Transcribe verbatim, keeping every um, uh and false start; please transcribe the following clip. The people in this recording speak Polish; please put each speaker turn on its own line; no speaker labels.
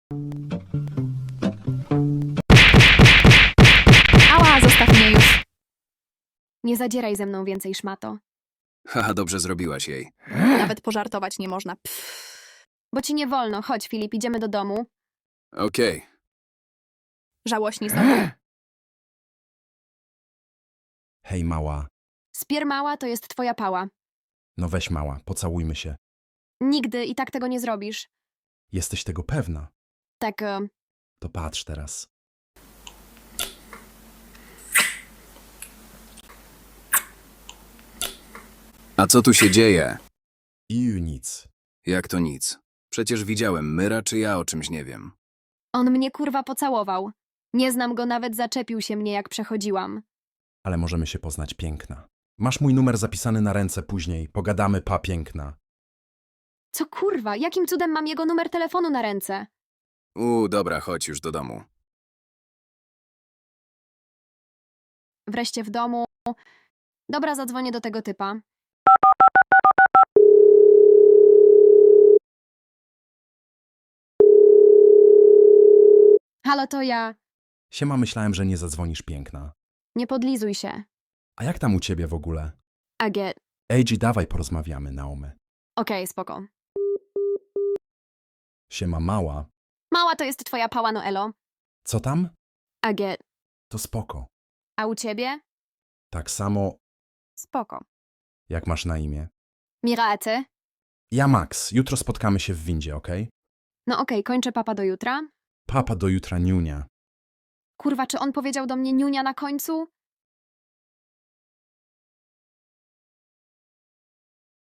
Ała, zostaw mnie już. Nie zadzieraj ze mną więcej, szmato.
Haha, dobrze zrobiłaś jej.
Nawet pożartować nie można. Pff. Bo ci nie wolno. Chodź, Filip, idziemy do domu.
Okej.
Żałośni znowu.
Hej, mała.
Spiermała to jest twoja pała.
No weź, mała, pocałujmy się.
Nigdy i tak tego nie zrobisz.
Jesteś tego pewna?
Tak, e,
To patrz teraz.
A co tu się dzieje?
I nic.
Jak to nic? Przecież widziałem Myra, czy ja o czymś nie wiem.
on mnie kurwa pocałował. Nie znam go, nawet zaczepił się mnie, jak przechodziłam.
Ale możemy się poznać, piękna. Masz mój numer zapisany na ręce później. Pogadamy, pa, piękna.
Co kurwa, jakim cudem mam jego numer telefonu na ręce?
U, dobra, chodź już do domu.
Wreszcie w domu. Dobra, zadzwonię do tego typa. Halo, to ja.
Siema, myślałem, że nie zadzwonisz, piękna.
Nie podlizuj się.
A jak tam u ciebie w ogóle?
Aget.
Ej, G, dawaj porozmawiamy, Naomy.
Okej, spoko.
Siema, mała.
Mała to jest twoja pała, Noelo.
Co tam?
Aget.
To spoko.
A u ciebie?
Tak samo,
Spoko.
jak masz na imię.
Mira, a ty?
Ja, Max. Jutro spotkamy się w windzie, okej?
No okej, kończę papa do jutra.
Papa do jutra, niunia.
Kurwa, czy on powiedział do mnie niunia na końcu?